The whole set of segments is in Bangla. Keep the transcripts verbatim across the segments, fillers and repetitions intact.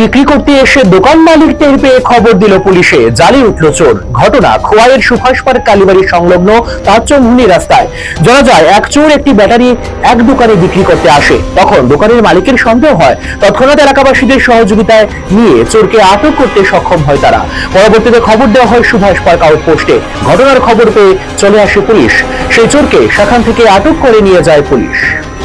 বিক্রি করতে এসে দোকান মালিক টের পেয়ে খবর দিল পুলিশে, জালে উঠল চোর। ঘটনা খোয়াইয়ের সুভাষ পার্ক কালীবাড়ি সংলগ্ন তাঁতচমুনি রাস্তায়। জানা যায় এক চোর একটি ব্যাটারি এক দোকানে বিক্রি করতে আসে। তখন দোকানের মালিকের সন্দেহ হয়, তৎক্ষণাৎ এলাকাবাসীদের সহযোগিতায় নিয়ে চোরকে আটক করতে সক্ষম হয় তারা। পরবর্তীতে খবর দেওয়া হয় সুভাষ পার্ক আউটপোস্টে। ঘটনার খবর পেয়ে চলে আসে পুলিশ। সেই চোরকে সেখান থেকে আটক করে নিয়ে যায় পুলিশ।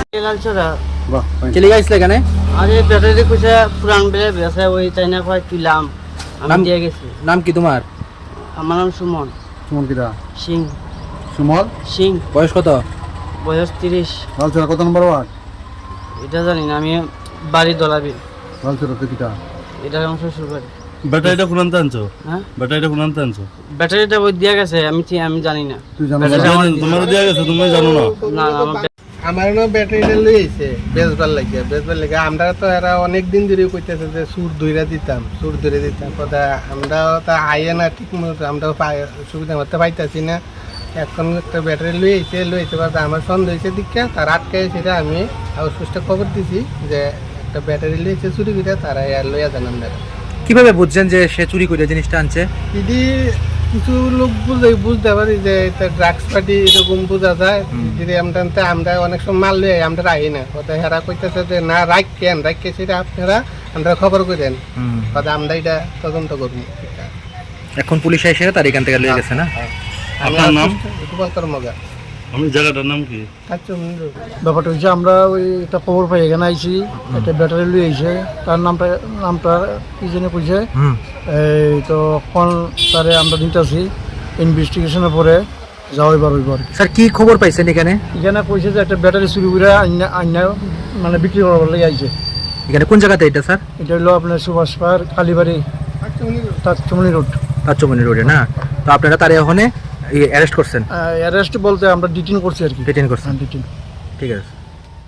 চলে গেছিল এখানে আরে ব্যাটারি কইছে পুরান বেলে বেসে ওই চাইনা কয় তুইলাম আমি দিয়ে গেছি। নাম কি তোমার? আমার নাম সুমন। সুমন কিরা? সিং। সুমল সিং। বয়স কত? বয়স তিরিশ। লালচরা কত নম্বর ওয়ার্ড? এটা জানি না, আমি বাড়ি দলাবি। লালচরা তো কিটা? এটা আমার শ্বশুর বাড়ি। ব্যাটারিটা কোন আনতে আনছো? হ্যাঁ, ব্যাটারিটা কোন আনতে আনছো? ব্যাটারিটা ওই দিয়ে গেছে, আমি ঠিক- আমি জানি না। তুই জানো ব্যাটারি না? আমার- তোমার দেয়া গেছে, তুমি জানো না? না না, আমার ব্যাটারি- আমার না ব্যাটারিটা লইছে বেচবার লাগে বেচবার লাগে আমরা তো এরা অনেক দিন ধরে কইতেছে যে সুর দইরা দিতাম সুর ধরে দিতাম কথা আমরা তা আইয়ে না ঠিক মতো আমরা সুবিধা মতো পাইতাছি না। এখন একটা ব্যাটারি লইছে লইছে বাদ আমার সন্দেহ হয়েছে দীক্ষা তার আটকে সেটা আমি আউটপোস্টে খবর দিছি যে একটা ব্যাটারি লইছে চুরি করে তারা লইয়া যান আপনারা। কিভাবে বুঝছেন যে সে চুরি করে জিনিসটা আনছে? যদি কিছু লোক বুঝে বুঝতে পারি যে এটা ড্রাগস পার্টি এরকম বোঝা যায়। যদি আমরা আমরা অনেক সময় মাল লই আমরা রাখি না কথা হেরা কইতেছে যে না রাখ কেন রাখকে সেটা আপনারা আমরা খবর করেন কথা আমরা এটা তদন্ত করবো। এখন পুলিশ এসে তার এখান থেকে লয়ে গেছে না? আপনার নাম? গোপাল কর্মকার। আমি জায়গাটার নাম কি? ব্যাপারটা হচ্ছে আমরা ওই একটা খবর পাই এখানে আইছি, একটা ব্যাটারি লুই আইছে, তার নামটা নামটা কি জন্য কইছে এই তো কোন তারে আমরা নিতেছি ইনভেস্টিগেশনের পরে যাওয়াই বার হইব আর কি। স্যার কি খবর পাইছেন এখানে? এখানে কইছে যে একটা ব্যাটারি চুরি করে আইনা আইনা মানে বিক্রি করার লাগে আইছে। এখানে কোন জায়গাতে এটা স্যার? এটা হলো আপনার সুভাষ পার্ক কালীবাড়ি তাঁতচমুনি রোড। তাঁতচমুনি রোডে না? তো আপনারা তারে ওখানে অ্যারেস্ট করছেন? অ্যারেস্ট বলতে আমরা ডিটেন করছি আর কি। ডিটেন করছেন? ডিটেন। ঠিক আছে।